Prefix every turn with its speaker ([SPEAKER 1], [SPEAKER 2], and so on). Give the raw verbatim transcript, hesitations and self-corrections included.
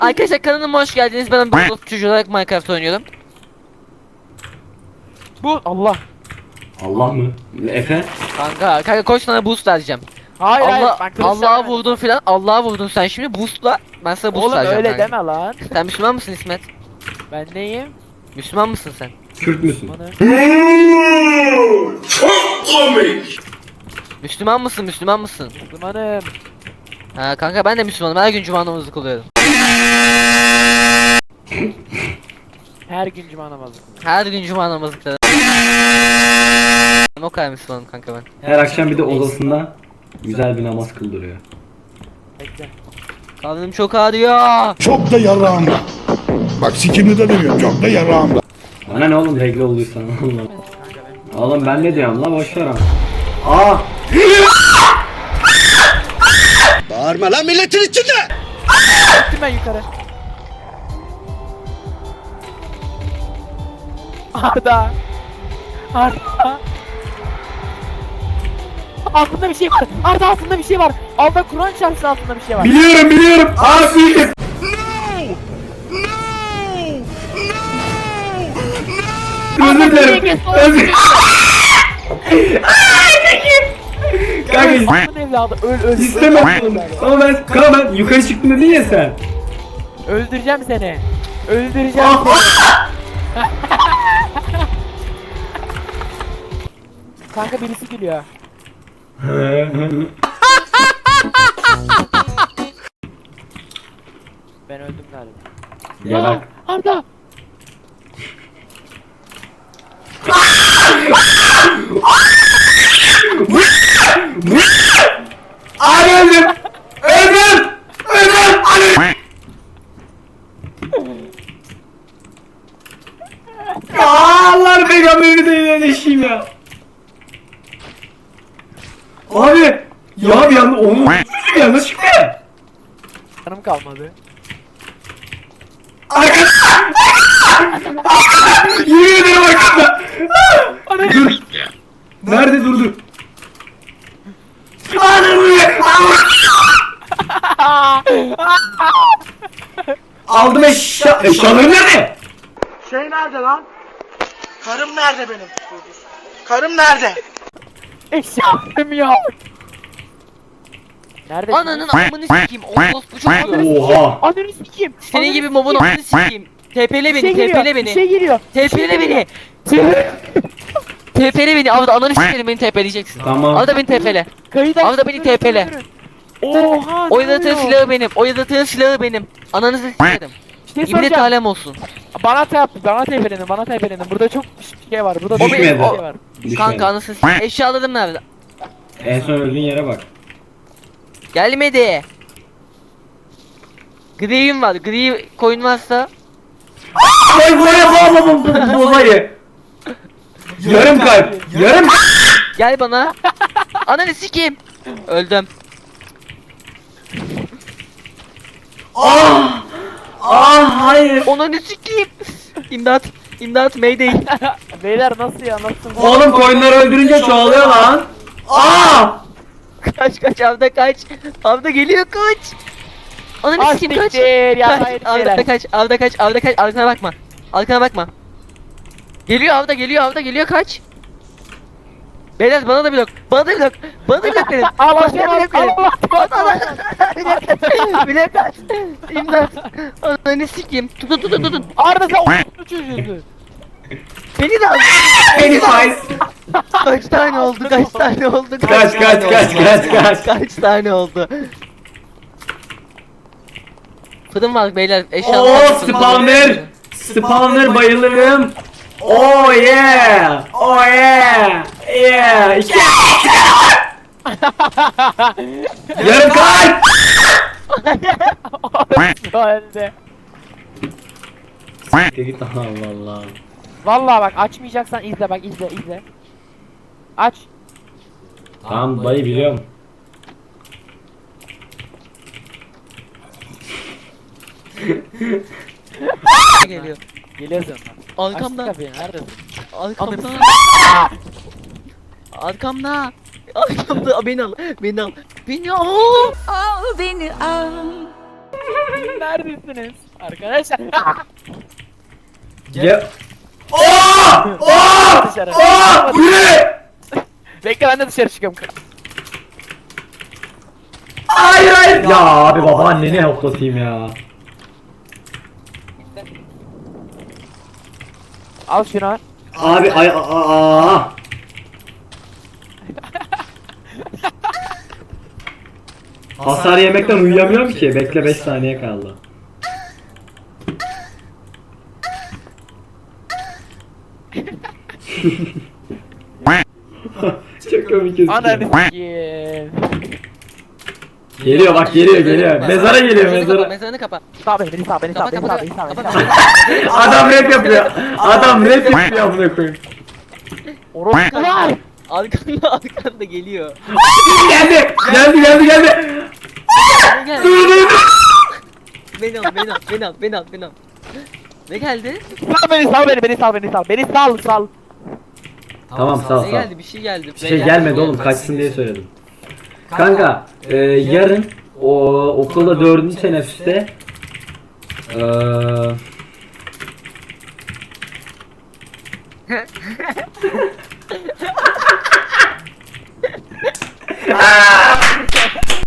[SPEAKER 1] Arkadaşlar kanalıma hoş geldiniz. Ben bir çocuğu olarak Minecraft oynuyorum.
[SPEAKER 2] Bu Allah.
[SPEAKER 3] Allah mı? Efe?
[SPEAKER 1] Kanka, kanka koş sana boost vereceğim.
[SPEAKER 2] Hayır hayır.
[SPEAKER 1] Allah
[SPEAKER 2] ben kılıç
[SPEAKER 1] Allah'a
[SPEAKER 2] demedim.
[SPEAKER 1] vurdun filan. Allah'a vurdun sen şimdi boostla. Ben sana boost
[SPEAKER 2] Oğlum
[SPEAKER 1] vereceğim.
[SPEAKER 2] öyle
[SPEAKER 1] kanka.
[SPEAKER 2] deme lan.
[SPEAKER 1] Sen Müslüman mısın İsmet?
[SPEAKER 2] Ben neyim?
[SPEAKER 1] Müslüman mısın sen?
[SPEAKER 3] Kürt müsün?
[SPEAKER 2] Bana.
[SPEAKER 1] Müslüman mısın? Müslüman mısın?
[SPEAKER 2] Müslümanım.
[SPEAKER 1] Ha kanka ben de Müslümanım. Her gün cuma namazı kılıyorum.
[SPEAKER 2] Her gün cuma namazı.
[SPEAKER 1] Her gün cuma namazı kılıyorum. O kadar Müslümanım kanka ben.
[SPEAKER 3] Her akşam bir de odasında güzel bir namaz kıldırıyor.
[SPEAKER 2] Bekle.
[SPEAKER 1] Karnım çok ağrıyor.
[SPEAKER 4] Çok da yarağımda. Bak sikimli de demiyorum. Çok da yarağımda.
[SPEAKER 3] Bana ne oğlum regle olduysan Allah.
[SPEAKER 2] Kanka benim.
[SPEAKER 3] Oğlum ben ne diyorum la boşver ama. Aa!
[SPEAKER 4] Bağırma lan milletin içinde.
[SPEAKER 2] Gittim ben yukarı. Arda. Arda. Altında bir şey var. Arda altında bir şey var. Alda Kur'an çarpsın altında bir şey var.
[SPEAKER 3] Biliyorum biliyorum. Aa suikast. Özür dilerim. Özür Kanka
[SPEAKER 2] Allah'ın evladı öl öl.
[SPEAKER 3] istemem. Ama ben kanka ben yukarı çıktım dedin ya sen.
[SPEAKER 2] Öldüreceğim seni. Öldüreceğim
[SPEAKER 3] Ah,
[SPEAKER 2] seni. Kanka birisi gülüyor. Ben öldüm galiba.
[SPEAKER 3] Ya bak.
[SPEAKER 2] Arda.
[SPEAKER 3] Abi öldüm. Öldüm. Öldüm. Abi. Ya Allah peygamberini de iyileşeyim ya. Abi. Ya bir anda onu yanlış çıktı.
[SPEAKER 2] Canım kalmadı.
[SPEAKER 3] Arkadaşlar. Yemin ederim arkadaşlar. Dur. Nerede dur dur. Aldım eşya. Eşyalarım nerede?
[SPEAKER 5] Şey nerede lan? Karım nerede benim? Karım nerede?
[SPEAKER 2] Eşyalım yok. Nerede?
[SPEAKER 1] Ananın amını sikeyim. Orospu çocuğu.
[SPEAKER 3] Oha.
[SPEAKER 2] Ananı sikeyim.
[SPEAKER 1] Senin gibi mobun amını sikeyim. T P L
[SPEAKER 2] Bir şey
[SPEAKER 1] beni,
[SPEAKER 2] geliyor.
[SPEAKER 1] T P L
[SPEAKER 2] Bir
[SPEAKER 1] beni.
[SPEAKER 2] şey geliyor.
[SPEAKER 1] T P L beni. T P L beni. Avda ananı sikerim beni T P L'leyeceksin.
[SPEAKER 3] Tamam.
[SPEAKER 1] Avda beni T P L.
[SPEAKER 2] Kayıt
[SPEAKER 1] Avda beni T P L.
[SPEAKER 2] Oha.
[SPEAKER 1] O yaratığın silahı benim. O yaratığın silahı benim. Ananızı sikerim.
[SPEAKER 2] Şey
[SPEAKER 1] İbnet
[SPEAKER 2] soracağım.
[SPEAKER 1] alem olsun.
[SPEAKER 2] Bana tap, bana tepelenin, bana tepelenin. Burada çok şey var. Burada
[SPEAKER 3] Düşmedi.
[SPEAKER 2] çok şey var.
[SPEAKER 3] Düşmedi.
[SPEAKER 1] Kanka anasını sikeyim. Eşyalarım nerede?
[SPEAKER 3] En son öldüğün yere bak.
[SPEAKER 1] Gelmedi. Gri'yim var. Gri coin varsa.
[SPEAKER 3] Ay bu yapamam bu olayı. Yarım kalp. Yarım
[SPEAKER 1] Gel bana. Ananı sikeyim. Öldüm.
[SPEAKER 3] Ah! Ah hayır.
[SPEAKER 1] Ananı sikeyim. İmdat. İmdat mayday.
[SPEAKER 2] Beyler nasıl ya, nasıl?
[SPEAKER 3] Oğlum koyunları öldürünce çoğalıyor lan. Ah!
[SPEAKER 1] Kaç kaç Avda kaç. Avda geliyor kaç. Ananı
[SPEAKER 2] Ah,
[SPEAKER 1] sikeyim kaç.
[SPEAKER 2] siktir ya,
[SPEAKER 1] Kaç,
[SPEAKER 2] hayır,
[SPEAKER 1] Avda
[SPEAKER 2] beyler.
[SPEAKER 1] kaç. Avda kaç. Avda kaç. Arkana bakma. Arkana bakma. Geliyor Avda geliyor Avda geliyor kaç. Beyler bana da blok. Bana da blok. Bana da blok verin.
[SPEAKER 2] Allah
[SPEAKER 1] Bana
[SPEAKER 2] aşkına,
[SPEAKER 1] da blok verin.
[SPEAKER 2] Allah
[SPEAKER 1] Bana da blok kaç. İmdat. Ananı sikeyim. Tutun tutun tutun.
[SPEAKER 2] Arda sen o çocuğusun.
[SPEAKER 1] Beni de al.
[SPEAKER 3] Beni faiz.
[SPEAKER 1] Kaç tane oldu? Kaç tane oldu?
[SPEAKER 3] Kaç,
[SPEAKER 1] tane
[SPEAKER 3] kaç, kaç,
[SPEAKER 1] oldu?
[SPEAKER 3] kaç, kaç.
[SPEAKER 1] Kaç tane oldu? Fırın var beyler. Eşyalar.
[SPEAKER 3] Oh spawner. Spawner bayılırım. Oh yeah. Oh yeah. Yeah. İki. Yarım kalp.
[SPEAKER 2] Öldü.
[SPEAKER 3] Git Allah Allah.
[SPEAKER 2] Vallahi bak, açmayacaksan izle, bak izle izle. Aç.
[SPEAKER 3] Tamam dayı biliyorum.
[SPEAKER 1] Geliyor.
[SPEAKER 2] Geliyorsun.
[SPEAKER 1] Arkamda.
[SPEAKER 2] Aç kapıyı, neredesin?
[SPEAKER 1] Arkamda. Arkamda. Arkamda. Beni al. Beni al. Beni al.
[SPEAKER 6] Al beni al.
[SPEAKER 2] Neredesiniz? Arkadaşlar.
[SPEAKER 3] Gel. Aa! Aa!
[SPEAKER 2] Dışarı.
[SPEAKER 3] Aa! Bu ne?
[SPEAKER 2] Bekle ben de dışarı çıkıyorum.
[SPEAKER 3] Hayır hayır. Ya abi babaanneni hoplatayım ya.
[SPEAKER 2] Al şunu.
[SPEAKER 3] Abi ay aa. Hasar yemekten uyuyamıyorum ki. Bekle beş saniye kaldı. Çok komik gözüküyor.
[SPEAKER 2] Ananı s**eyim.
[SPEAKER 3] Geliyor bak geliyor geliyor. Mezara geliyor
[SPEAKER 1] Mezarını kapa,
[SPEAKER 3] mezara.
[SPEAKER 1] Mezarını kapa.
[SPEAKER 2] Sağ beni, beni sağ, beni sağ,
[SPEAKER 1] Kapa
[SPEAKER 2] beni
[SPEAKER 1] kapa
[SPEAKER 2] sağ, beni sağ, beni
[SPEAKER 1] kapa.
[SPEAKER 2] sağ.
[SPEAKER 3] Adam rap yapıyor. Adam rap yapıyor amına koyayım.
[SPEAKER 2] Orospu var.
[SPEAKER 1] Arkanda arkanda geliyor.
[SPEAKER 3] Geldi. Geldi geldi geldi.
[SPEAKER 1] Ne
[SPEAKER 3] Dur
[SPEAKER 1] geldi?
[SPEAKER 3] dur dur.
[SPEAKER 1] Beni al beni al beni al beni al beni al. Ne geldi?
[SPEAKER 2] Sal beni, sal beni, beni sal, beni sal. Beni sal, sal.
[SPEAKER 3] Tamam sağ ol
[SPEAKER 1] Ne
[SPEAKER 3] sağ ol.
[SPEAKER 1] geldi? Bir şey geldi.
[SPEAKER 3] Bir şey gelmedi oğlum kaçsın diye söyledim. Kanka e, yarın o okulda dördüncü teneffüste eee Aa!